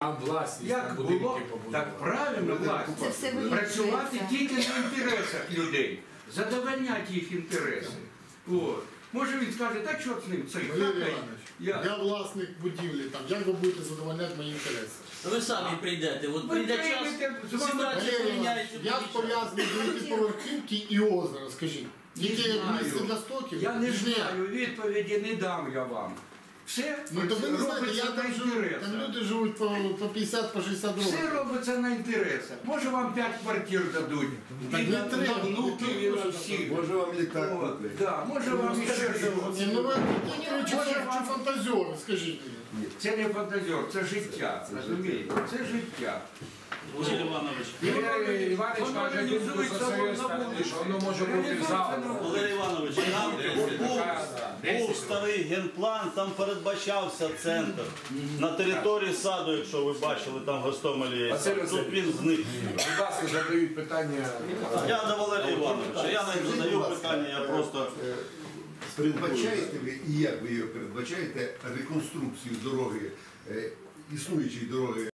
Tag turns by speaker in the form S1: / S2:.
S1: власність
S2: Як
S1: на
S2: було,
S1: будинки побудувати.
S2: так правильно власність. Працювати тільки на інтересах людей, задовольняти їх інтереси. От. Може він скаже, так що з ним цей
S3: Валерій
S2: хакай.
S3: Іванович, я власник будівлі, там, як ви будете задовольняти мої інтереси?
S4: Ви самі прийдете, от прийде час, ситуація
S3: Валерій
S4: поміняється.
S3: Іванович, як пов'язані дев'ятиповерхівки і озеро, скажіть? Тільки як місце для стоків?
S2: Я не знаю, відповіді не дам я вам. Все
S3: Ну то ви не знаєте,
S2: робиться
S3: я
S2: на
S3: там живу, там
S2: інтересах.
S3: люди живуть по 50, по 60 років.
S2: Все робиться на інтересах. Може вам 5 квартир дадуть.
S3: Так
S2: І
S3: не
S2: на
S3: треба,
S2: внуків, і на всіх.
S5: Може вам літак
S2: От,
S5: купить.
S2: да, може вам ще щось.
S3: Ні, ну ви чи фантазіори, скажіть мені.
S2: Це не фантазер, це життя. Розумієте? Це життя.
S4: Василь Іванович,
S1: Валерій Іванович
S2: Воно
S1: каже,
S2: реалізується
S1: за своєю
S2: на
S1: сторони,
S2: вулиці.
S1: що воно може бути
S2: Реалізується
S1: завтра.
S2: на
S4: Валерій Іванович, там був старий генплан, там передбачався центр. На території саду, якщо ви бачили, там в Гостомелі є.
S1: Василь
S4: Тут
S1: Васильович,
S4: він зник.
S1: будь ласка, задають питання.
S4: Я до Валерія Івановича, я не задаю питання, я просто...
S5: Передбачаєте ви, і як ви його передбачаєте, реконструкцію дороги, існуючої дороги